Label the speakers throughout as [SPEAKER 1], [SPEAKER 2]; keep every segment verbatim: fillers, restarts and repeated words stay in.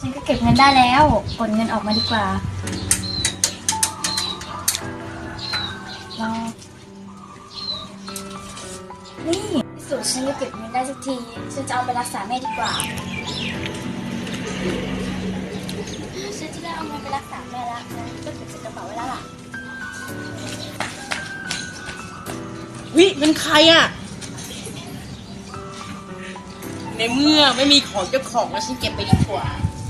[SPEAKER 1] ฉันก็เก็บเงินได้แล้วกดเงินออกมาดีกว่าเรานี่ที่สุดฉันก็เก็บเงินได้สักทีฉันจะเอาไปรักษาแม่ดีกว่าฉันจะได้เอาเงินไปรักษาแม่แล้วฉันก็เก็บใส่กระเป๋าไว้แล้วล่ะ
[SPEAKER 2] วิเป็นใครอ่ะในเมื่อไม่มีของเจ้าของแล้วฉันเก็บไปดีกว่า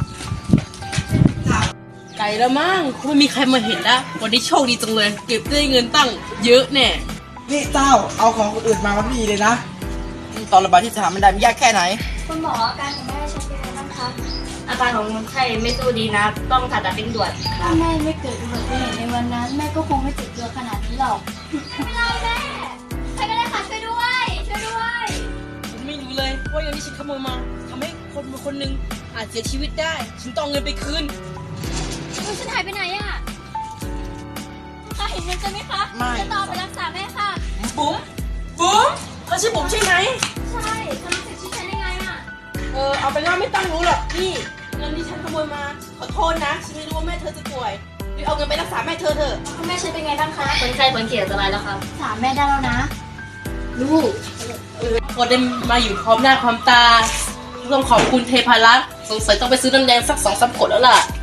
[SPEAKER 2] ไก่แล้วมั้งคงไม่มีใครมาเห็นแล้ววันนี้โชคดีจังเลยเก็บได้เงินตั้งเยอะแน่
[SPEAKER 3] นี่เจ้าเอาของคนอื่นมามันไม่ดีเลยนะตอนระบาดที่สถานมันได้มันยากแค่ไหน
[SPEAKER 1] คุณหมออาการของแม่ฉันเป็นไงบ้างคะ
[SPEAKER 4] อาการของคนไข้ไม่สู้ดีนะต้องผ่าตัดเร่งด่วน
[SPEAKER 1] ถ้าแม่ไม่เกิดอุบัติเหตุในวันนั้นแม่ก็คงไม่เจ็บตัวขนาดนี้หรอกไม่ได้แม่ใครก็ได้ค่ะช่วยด้วยช่วยด้วย
[SPEAKER 2] ผมไม่รู้เลยว่าอย่างที่ฉันขโมยมาทำให้คนคนหนึ่งอาจเสียชีวิตได้ฉันต้องเอาเงินไปคืน
[SPEAKER 1] คุณฉันหายไปไหนอะถ้าเห็นเงินจะไหมคะ
[SPEAKER 3] ไม่
[SPEAKER 1] จะต่อไปรักษาแม่ค่ะ
[SPEAKER 2] บุ๋มบุ๋มเธอชื่อบุ๋มใช่ไหม
[SPEAKER 1] ใช่ทำเสร็จชื่อฉันได้ไงอะ
[SPEAKER 2] เออเอาเป็นว่าไม่ต้องรู้หรอกนี่เงินที่ฉันขโมยมาขอโทษนะฉันไม่รู้ว่าแม่เธอจะป่วยรีบเอาเงินไปรักษาแม่เธอเถอะ
[SPEAKER 1] คุณแม่ฉันเป็นไงบ้างคะ
[SPEAKER 4] คนไข้พ้นขีดอันตรายแล้วครับ
[SPEAKER 1] รักษาแม่ได้แล้วนะ
[SPEAKER 2] ลูกพอได้มาอยู่พร้อมหน้าพร้อมตาต้องขอบคุณเทพารัตน์สงสัยต้องไปซื้อน้ำแดงสักสองสามขวดแล้วล่ะ